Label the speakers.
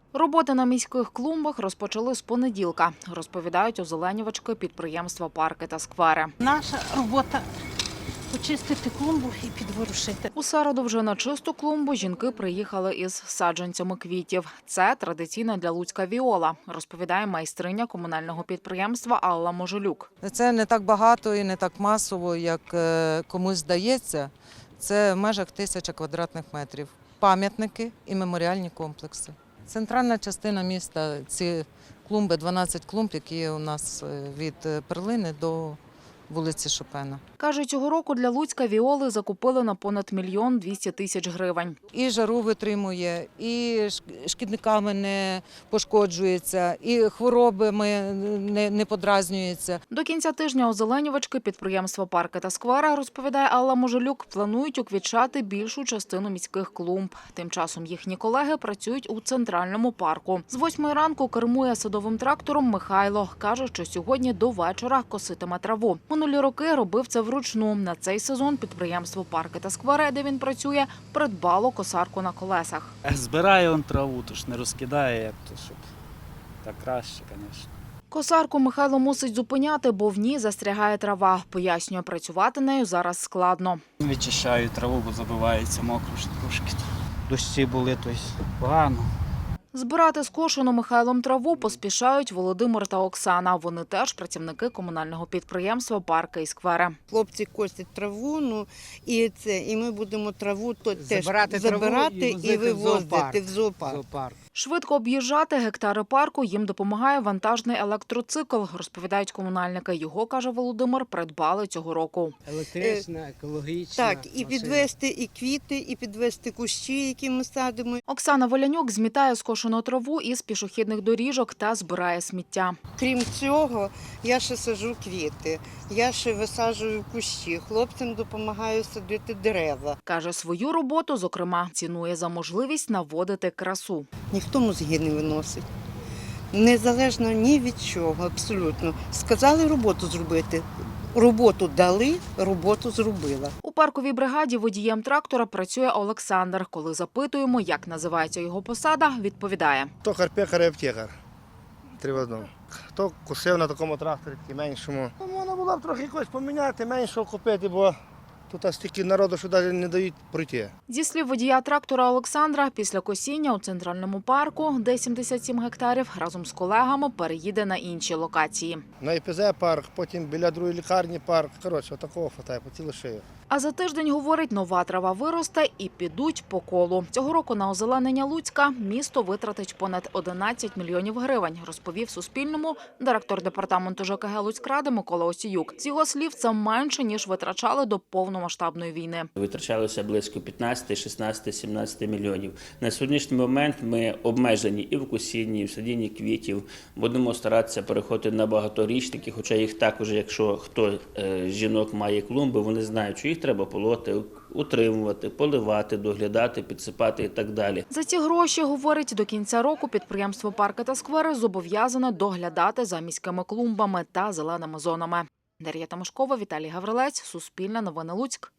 Speaker 1: Роботи на міських клумбах розпочали з понеділка, розповідають озеленювачки підприємства «Парки та сквери».
Speaker 2: Наша робота – почистити клумбу і підворушити.
Speaker 1: У середу вже на чисту клумбу жінки приїхали із саджанцями квітів. Це традиційна для Луцька віола, розповідає майстриня комунального підприємства Алла Можелюк.
Speaker 3: Це не так багато і не так масово, як комусь здається. Це в межах 1000 квадратних метрів. Пам'ятники і меморіальні комплекси. Центральна частина міста – ці клумби, 12 клумб, які є у нас від Перлини до вулиці Шопена.
Speaker 1: Каже, цього року для Луцька віоли закупили на понад 1 200 000 гривень.
Speaker 3: І жару витримує, і шкідниками не пошкоджується, і хворобами не подразнюється.
Speaker 1: До кінця тижня озеленювачки підприємства «Парки та сквери», розповідає Алла Можелюк, планують уквітчати більшу частину міських клумб. Тим часом їхні колеги працюють у центральному парку. З 8 ранку кермує садовим трактором Михайло. Каже, що сьогодні до вечора коситиме траву. Минулі роки робив це вручну. На цей сезон підприємство «Парки та сквери», де він працює, придбало косарку на колесах.
Speaker 4: Збирає он траву, тож не розкидає, як то, щоб так краще, звісно.
Speaker 1: Косарку Михайло мусить зупиняти, бо в ній застрягає трава. Пояснює, працювати нею зараз складно.
Speaker 4: Вичищаю траву, бо забивається мокро трошки. Дощі були, то погано.
Speaker 1: Збирати скошену Михайлом траву поспішають Володимир та Оксана. Вони теж працівники комунального підприємства «Парки і сквери».
Speaker 5: Хлопці косять траву, і ми будемо траву теж
Speaker 6: Забирати
Speaker 5: і вивозити в зоопарк.
Speaker 1: Швидко об'їжджати гектари парку їм допомагає вантажний електроцикл, розповідають комунальники. Його, каже Володимир, придбали цього року.
Speaker 6: Електрична, екологічна.
Speaker 5: Так, і підвести і квіти, і підвести кущі, які ми садимо.
Speaker 1: Оксана Волянюк змітає скошену траву із пішохідних доріжок та збирає сміття.
Speaker 5: Крім цього, я ще саджу квіти, я ще висаджую кущі, хлопцям допомагаю садити дерева.
Speaker 1: Каже, свою роботу, зокрема, цінує за можливість наводити красу.
Speaker 5: Ніхто мозги не виносить. Незалежно ні від чого, абсолютно. Сказали роботу зробити. Роботу дали, роботу зробила.
Speaker 1: У парковій бригаді водієм трактора працює Олександр. Коли запитуємо, як називається його посада, відповідає.
Speaker 7: Токар, пекар і аптекар. 3 в одному. Хто косив на такому тракторі, такий меншому. Можна було б трохи якось поміняти, меншого купити, бо тут стільки народу, що навіть не дають пройти.
Speaker 1: Зі слів водія трактора Олександра, після косіння у центральному парку, де 77 гектарів, разом з колегами переїде на інші локації.
Speaker 7: На ІПЗ парк, потім біля другої лікарні парк. Коротше, отакого хватає, по цілу шию.
Speaker 1: А за тиждень, говорить, нова трава виросте і підуть по колу. Цього року на озеленення Луцька місто витратить понад 11 мільйонів гривень, розповів Суспільному директор департаменту ЖКГ Луцькради Микола Осіюк. З його слів, це менше, ніж витрачали до повномасштабної війни.
Speaker 8: Витрачалося близько 15, 16, 17 мільйонів. На сьогоднішній момент ми обмежені і в косінні, і в садінні квітів. Будемо старатися переходити на багаторічники, хоча їх також, якщо хто з жінок має клумби, вони знають, що їх треба полоти, утримувати, поливати, доглядати, підсипати і так далі.
Speaker 1: За ці гроші, говорить, до кінця року підприємство «Парки та сквери» зобов'язане доглядати за міськими клумбами та зеленими зонами. Дар'я Тимошкова, Віталій Гаврилець, Суспільне новини Луцьк.